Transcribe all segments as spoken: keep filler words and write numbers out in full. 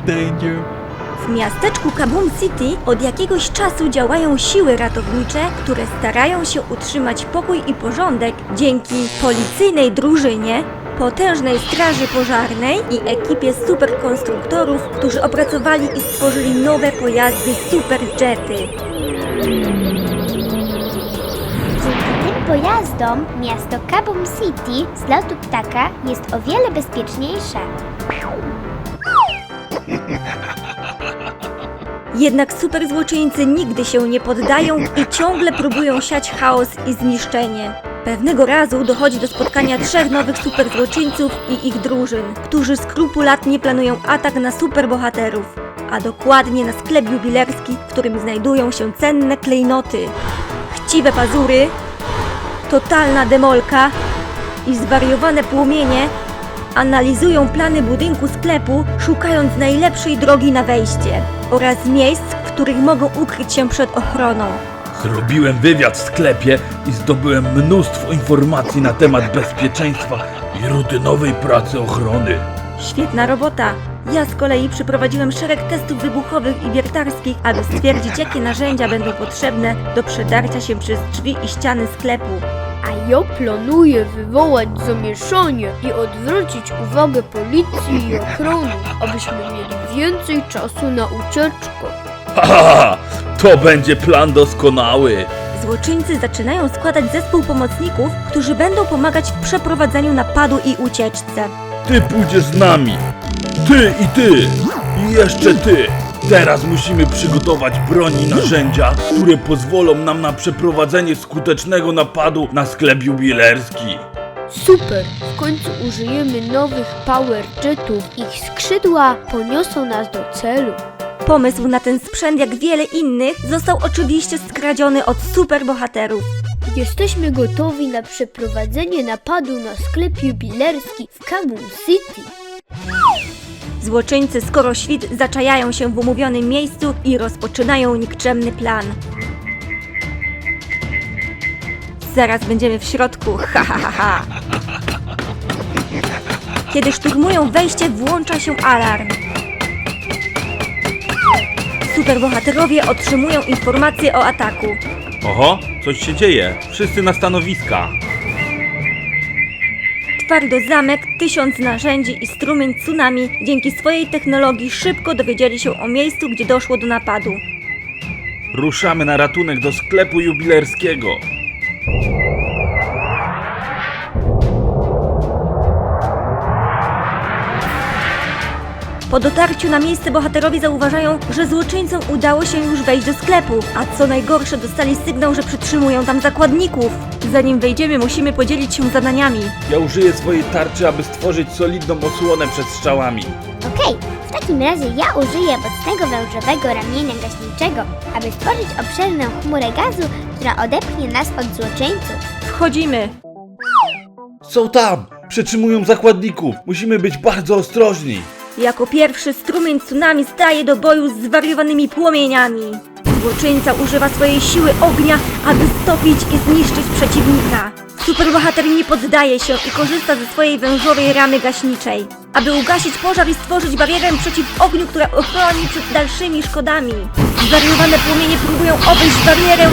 Danger. W miasteczku Kaboom City od jakiegoś czasu działają siły ratownicze, które starają się utrzymać pokój i porządek dzięki policyjnej drużynie, potężnej straży pożarnej i ekipie superkonstruktorów, którzy opracowali i stworzyli nowe pojazdy Superjety. Dzięki tym pojazdom miasto Kaboom City z lotu ptaka jest o wiele bezpieczniejsze. Jednak superzłoczyńcy nigdy się nie poddają i ciągle próbują siać chaos i zniszczenie. Pewnego razu dochodzi do spotkania trzech nowych superzłoczyńców i ich drużyn, którzy skrupulatnie planują atak na superbohaterów, a dokładnie na sklep jubilerski, w którym znajdują się cenne klejnoty. Chciwe pazury, totalna demolka i zwariowane płomienie analizują plany budynku sklepu, szukając najlepszej drogi na wejście oraz miejsc, w których mogą ukryć się przed ochroną. Zrobiłem wywiad w sklepie i zdobyłem mnóstwo informacji na temat bezpieczeństwa i rutynowej pracy ochrony. Świetna robota! Ja z kolei przeprowadziłem szereg testów wybuchowych i wiertarskich, aby stwierdzić, jakie narzędzia będą potrzebne do przedarcia się przez drzwi i ściany sklepu. A ja planuję wywołać zamieszanie i odwrócić uwagę policji i ochrony, abyśmy mieli więcej czasu na ucieczkę. Haha, to będzie plan doskonały. Złoczyńcy zaczynają składać zespół pomocników, którzy będą pomagać w przeprowadzeniu napadu i ucieczce. Ty pójdziesz z nami. Ty i ty. I jeszcze ty. Teraz musimy przygotować broń i narzędzia, które pozwolą nam na przeprowadzenie skutecznego napadu na sklep jubilerski. Super! W końcu użyjemy nowych Power Jetów. Ich skrzydła poniosą nas do celu. Pomysł na ten sprzęt, jak wiele innych, został oczywiście skradziony od superbohaterów. Jesteśmy gotowi na przeprowadzenie napadu na sklep jubilerski w Kaboom City. Złoczyńcy skoro świt zaczajają się w umówionym miejscu i rozpoczynają nikczemny plan. Zaraz będziemy w środku, ha ha ha ha. Kiedy szturmują wejście, włącza się alarm. Superbohaterowie otrzymują informacje o ataku. Oho, coś się dzieje. Wszyscy na stanowiska. Twardo zamek, tysiąc narzędzi i strumień tsunami dzięki swojej technologii szybko dowiedzieli się o miejscu, gdzie doszło do napadu. Ruszamy na ratunek do sklepu jubilerskiego. Po dotarciu na miejsce bohaterowie zauważają, że złoczyńcom udało się już wejść do sklepu, a co najgorsze dostali sygnał, że przytrzymują tam zakładników. Zanim wejdziemy, musimy podzielić się zadaniami. Ja użyję swojej tarczy, aby stworzyć solidną osłonę przed strzałami. Okej, w takim razie ja użyję mocnego wężowego ramienia gaśniczego, aby stworzyć obszerną chmurę gazu, która odepchnie nas od złoczyńców. Wchodzimy. Są tam! Przetrzymują zakładników! Musimy być bardzo ostrożni! Jako pierwszy strumień tsunami staje do boju z zwariowanymi płomieniami. Złoczyńca używa swojej siły ognia, aby stopić i zniszczyć przeciwnika. Superbohater nie poddaje się i korzysta ze swojej wężowej ramy gaśniczej, aby ugasić pożar i stworzyć barierę przeciw ogniu, która ochroni przed dalszymi szkodami. Zwariowane płomienie próbują obejść barierę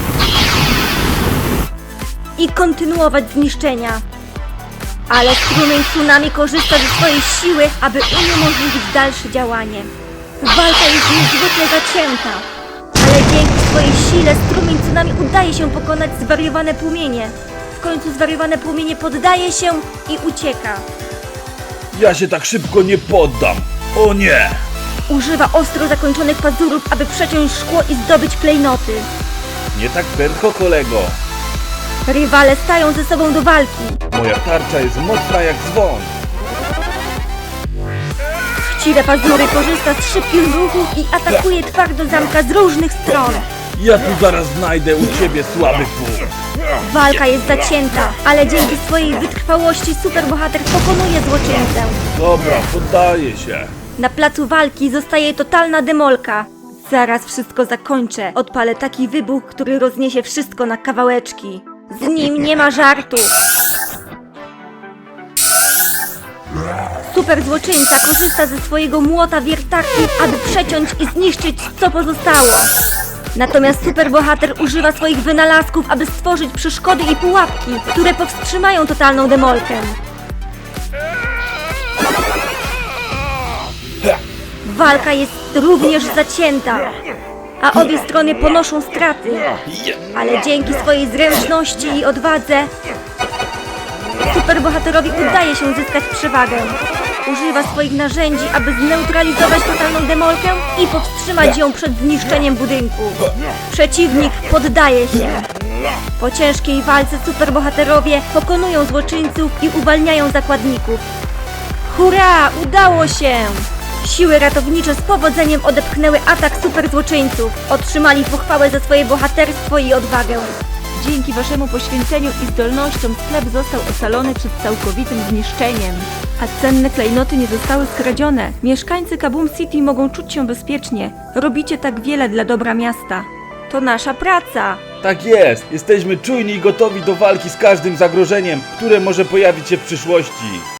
i kontynuować zniszczenia. Ale strumień tsunami korzysta ze swojej siły, aby uniemożliwić dalsze działanie. Walka jest niezwykle zacięta, ale dzięki swojej sile strumień tsunami udaje się pokonać zwariowane płomienie. W końcu zwariowane płomienie poddaje się i ucieka. Ja się tak szybko nie poddam! O nie! Używa ostro zakończonych pazurów, aby przeciąć szkło i zdobyć klejnoty. Nie tak prędko, kolego! Rywale stają ze sobą do walki. Moja tarcza jest mocna jak dzwon! Chciwe pazury korzysta z szybkich ruchów i atakuje twardo zamka z różnych stron. Ja tu zaraz znajdę u ciebie słaby punkt! Walka jest zacięta, ale dzięki swojej wytrwałości superbohater pokonuje złoczyńcę. Dobra, poddaję się! Na placu walki zostaje totalna demolka. Zaraz wszystko zakończę. Odpalę taki wybuch, który rozniesie wszystko na kawałeczki. Z nim nie ma żartu. Super złoczyńca korzysta ze swojego młota wiertarki, aby przeciąć i zniszczyć co pozostało. Natomiast superbohater używa swoich wynalazków, aby stworzyć przeszkody i pułapki, które powstrzymają totalną demolkę. Walka jest również zacięta, a obie strony ponoszą straty. Ale dzięki swojej zręczności i odwadze superbohaterowi udaje się uzyskać przewagę. Używa swoich narzędzi, aby zneutralizować totalną demolkę i powstrzymać ją przed zniszczeniem budynku. Przeciwnik poddaje się. Po ciężkiej walce superbohaterowie pokonują złoczyńców i uwalniają zakładników. Hurra! Udało się! Siły ratownicze z powodzeniem odepchnęły atak superzłoczyńców. Otrzymali pochwałę za swoje bohaterstwo i odwagę. Dzięki waszemu poświęceniu i zdolnościom sklep został ocalony przed całkowitym zniszczeniem. A cenne klejnoty nie zostały skradzione. Mieszkańcy Kaboom City mogą czuć się bezpiecznie. Robicie tak wiele dla dobra miasta. To nasza praca. Tak jest, jesteśmy czujni i gotowi do walki z każdym zagrożeniem, które może pojawić się w przyszłości.